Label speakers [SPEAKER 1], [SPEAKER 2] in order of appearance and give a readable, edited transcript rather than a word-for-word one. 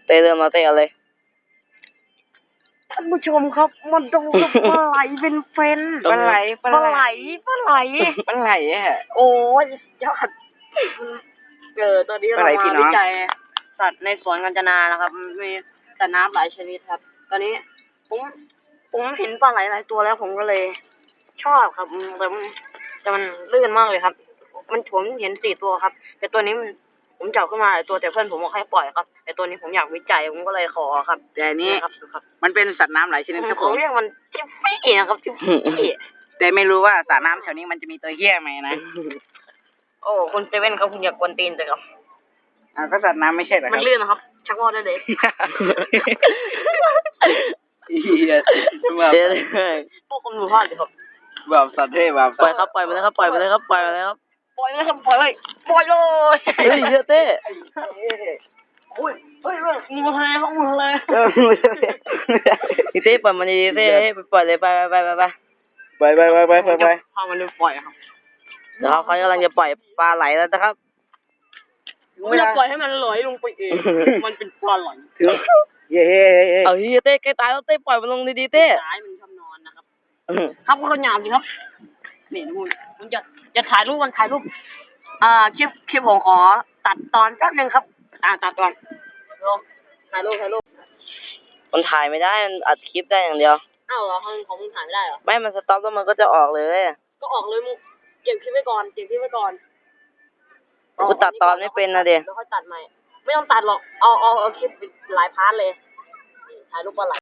[SPEAKER 1] เต้เริ่มมาเต้เอาเลย
[SPEAKER 2] ท่านผู้ชมครับมันดูปลาไหลเป็นเฟนปลาไหลโอ้ยยอดตอนนี้เรามาวิจัยสัตว์ในสวนกาญจนานะครับมีสัตว์น้ำหลายชนิดครับตอนนี้ผมเห็นปลาไหลหลายตัวแล้วผมก็เลยชอบครับแต่มันลื่นมากเลยครับผมเห็น4 ตัวครับแต่ตัวนี้ผมจับขึ้นมาตัวแต่เพื่อนผมบอกให้ปล่อยครับแต่ตัวนี้ผมอยากวิจัยผมก็เลยขอครับแต่นี้ครับ
[SPEAKER 3] มันเป็นสัตว์น้ำหลายชนิดครับผม
[SPEAKER 2] เรียกมันทิฟฟี่นะครับทิฟฟี่
[SPEAKER 3] แต่ไม่รู้ว่าสัตว์น้ำแถวนี้มันจะมีตัวเหี้ยไหมนะ
[SPEAKER 2] โอ้คุณเซเว่นครับคุณอยากกวนตีนจังครับ
[SPEAKER 3] ก็สัตว์น้ำไม่ใช่เหรอครับ
[SPEAKER 2] มันลื่นนะครับชักว่าวได้เลยพวกคุณรู้พลาดเลยครับ
[SPEAKER 3] แบบสัตว์เท่แบบ
[SPEAKER 1] ปล่อยครับปล่อยไปเลยครับปล่อยไปเลยครับปล่อยไปเลยครับ
[SPEAKER 2] ปล่อยเลย
[SPEAKER 1] เฮ้ยเยอะเต้
[SPEAKER 2] อุ้ยเฮ้ยงูทะเลครับงูทะเล
[SPEAKER 1] เต้ปล่อยมันดีเต้ปล่อยเลยไป
[SPEAKER 3] ไป
[SPEAKER 2] พามันเลยปล่อยครับ
[SPEAKER 1] เดี๋ยวเขากำลังจะปล่อยปลาไหลแล้วนะครับ
[SPEAKER 2] ไม่จะปล่อยให้มันลอยลงไปเองมันเป็นปลาไหล
[SPEAKER 1] เอาเฮ้ยเต้ใกล้ตายแล้วเต้ปล่อยมันลงดีๆเต้
[SPEAKER 2] ตายมันชอบนอนนะครับครับก็หยาบสิครับนี่มึงจะถ่ายรูปคลิปผมขอตัดตอนแป๊บนึงครับตัดตอนถ่ายรูป
[SPEAKER 1] มันถ่ายไม่ได้มันอัดคลิปได้อย่างเดียว
[SPEAKER 2] อ้าวเหรอของมึงถ่ายไม่ได้เหรอ
[SPEAKER 1] ไม่มันสต็อปแล้วมันก็จะออกเลย
[SPEAKER 2] ก็ออกเลยมึงเก็บคลิปไว้ก่อน
[SPEAKER 1] กูตัดตอนไม่เป็นนะเดี๋ยว
[SPEAKER 2] ค่อยตัดใหม่ไม่ต้องตัดหรอกเอาคลิปหลายพาร์ทเลยถ่ายรูปปลาไหล